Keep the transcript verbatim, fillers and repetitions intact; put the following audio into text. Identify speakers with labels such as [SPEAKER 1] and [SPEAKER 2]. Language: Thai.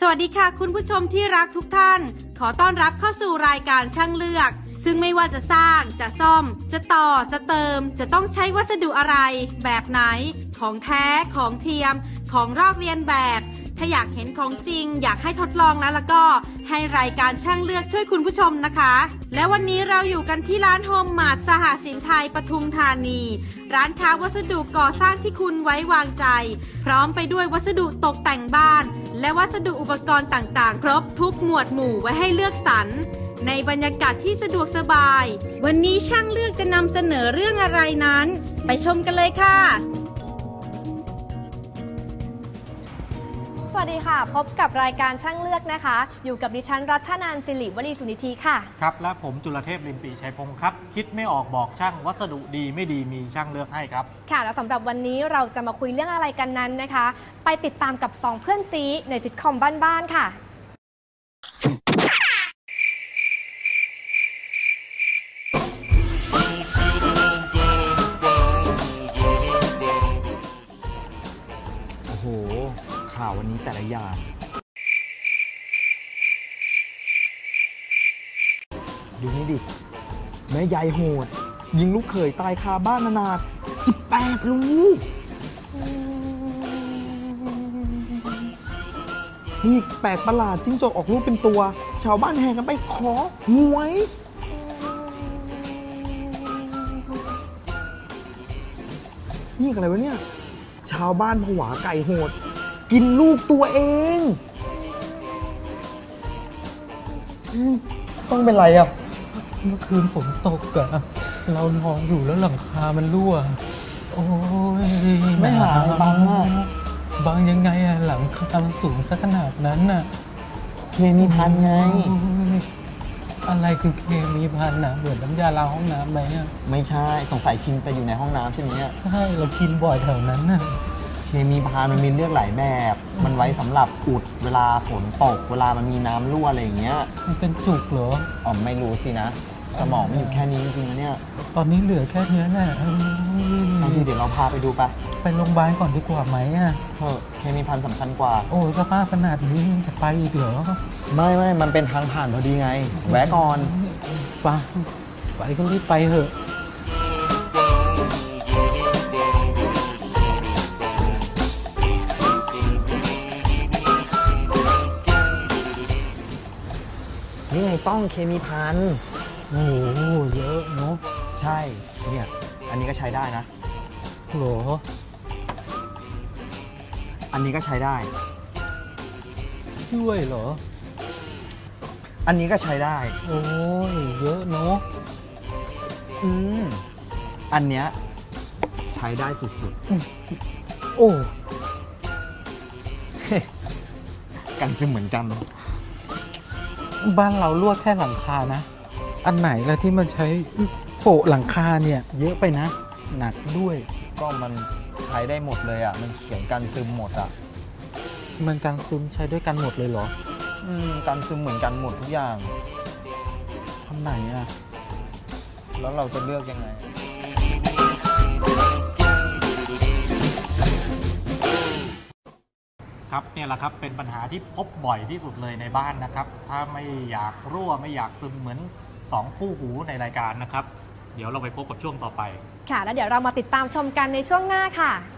[SPEAKER 1] สวัสดีค่ะคุณผู้ชมที่รักทุกท่านขอต้อนรับเข้าสู่รายการช่างเลือกซึ่งไม่ว่าจะสร้างจะซ่อมจะต่อจะเติมจะต้องใช้วัสดุอะไรแบบไหนของแท้ของเทียมของลอกเลียนแบบถ้าอยากเห็นของจริงอยากให้ทดลองแล้วแล้วก็ให้รายการช่างเลือกช่วยคุณผู้ชมนะคะและวันนี้เราอยู่กันที่ร้านโฮมมาร์ทสหสินไทยปทุมธานีร้านค้าวัสดุก่อสร้างที่คุณไว้วางใจพร้อมไปด้วยวัสดุตกแต่งบ้านและวัสดุอุปกรณ์ต่างๆครบทุกหมวดหมู่ไว้ให้เลือกสรรในบรรยากาศที่สะดวกสบายวันนี้ช่างเลือกจะนำเสนอเรื่องอะไรนั้นไปชมกันเลยค่ะ
[SPEAKER 2] สวัสดีค่ะพบกับรายการช่างเลือกนะคะอยู่กับดิฉันรัฐนันท์สิริวลีสุนิธีค่ะ
[SPEAKER 3] ครับและผมจุลเทพลิมปีชัยพงศ์ครับคิดไม่ออกบอกช่างวัสดุดีไม่ดีมีช่างเลือกให้ครับ
[SPEAKER 2] ค่ะแล้วสำหรับวันนี้เราจะมาคุยเรื่องอะไรกันนั้นนะคะไปติดตามกับสองเพื่อนซีในซิทคอมบ้านๆค่ะ
[SPEAKER 4] โอ้โหข่าววันนี้แต่ละอย่างดูนี่ดิแม่ยายโหดยิงลูกเขยตายคาบ้านนานาสิบแปดลูกนี่แปลกประหลาดจิ้งจกออกลูกเป็นตัวชาวบ้านแห่กันไปขอหวยนี่อะไรวะเนี่ยชาวบ้านผวาไก่โหดกินลูกตัวเองต้องเป็นไรอ่ะ
[SPEAKER 5] เมื่อคืนฝนตกอะเรานอนอยู่แล้วหลังคามันรั่วโอ้ย
[SPEAKER 4] ไม่หายบังอ่ะ
[SPEAKER 5] บังยังไงอะหลังคามันสูงสักขนาดนั้นน่ะ
[SPEAKER 4] เคมีพันไง
[SPEAKER 5] อะไรคือเคมีพันนะเหมือนน้ำยาล้างห้องน้ำไหมอะ
[SPEAKER 4] ไม่ใช่สงสัยชินไปอยู่ในห้องน้ำใช่ไหมเนี่ย
[SPEAKER 5] ใช่เรากินบ่อยแถวนั้นน่ะ
[SPEAKER 4] เคมีพันมันมีเลือกหลายแบบมันไว้สำหรับอุดเวลาฝนตกเวลามันมีน้ำรั่วอะไรอย่างเงี้ย
[SPEAKER 5] มันเป็นจุกเหรอ
[SPEAKER 4] อ๋อไม่รู้สินะสมองมันอยู่แค่นี้จริงๆนะเนี่ย
[SPEAKER 5] ตอนนี้เหลือแค่นี้แหละ
[SPEAKER 4] บางทีเดี๋ยวเราพาไปดูไป
[SPEAKER 5] ไปโรงพยาบาลก่อนดีกว่าไหมอ่ะ
[SPEAKER 4] เออเคมีพันสำคัญกว่า
[SPEAKER 5] โอ้สภาพขนาดนี้จะไปอีกเหรอ
[SPEAKER 4] ไม่ไม่มันเป็นทางผ่านพอดีไงแวะก่อน
[SPEAKER 5] ไปไปก็รีบไปเถอะ
[SPEAKER 4] นี่ไงต้องเคมีพัน
[SPEAKER 5] โอ้โหเยอะเนาะ
[SPEAKER 4] ใช่เนี่ยอันนี้ก็ใช้ได้นะ
[SPEAKER 5] โหรอ
[SPEAKER 4] อันนี้ก็ใช้ได้
[SPEAKER 5] ด้วยเหรอ
[SPEAKER 4] อันนี้ก็ใช้ได้
[SPEAKER 5] โอ้ยเยอะเนาะ
[SPEAKER 4] อืมอันเนี้ยใช้ได้สุด
[SPEAKER 5] ๆโอ้
[SPEAKER 4] กันซึมเหมือนกัน
[SPEAKER 5] บ้านเราลวกแค่หลังคานะอันไหนแล้วที่มันใช้โปะหลังคาเนี่ยเยอะไปนะหนักด้วย
[SPEAKER 4] ก็มันใช้ได้หมดเลยอ่ะมันเขียนกันซึมหมดอ่ะ
[SPEAKER 5] มันกันซึมใช้ด้วยกันหมดเลยเหรอ
[SPEAKER 4] อืมกันซึมเหมือนกันหมดทุกอย่าง
[SPEAKER 5] ทำไหนอ่ะ
[SPEAKER 4] แล้วเราจะเลือกยังไง
[SPEAKER 3] ครับเนี่ยแหละครับเป็นปัญหาที่พบบ่อยที่สุดเลยในบ้านนะครับถ้าไม่อยากรั่วไม่อยากซึมเหมือนสองคู่หูในรายการนะครับเดี๋ยวเราไปพบกับช่วงต่อไป
[SPEAKER 2] ค่ะแล้วเดี๋ยวเรามาติดตามชมกันในช่วงหน้าค่ะ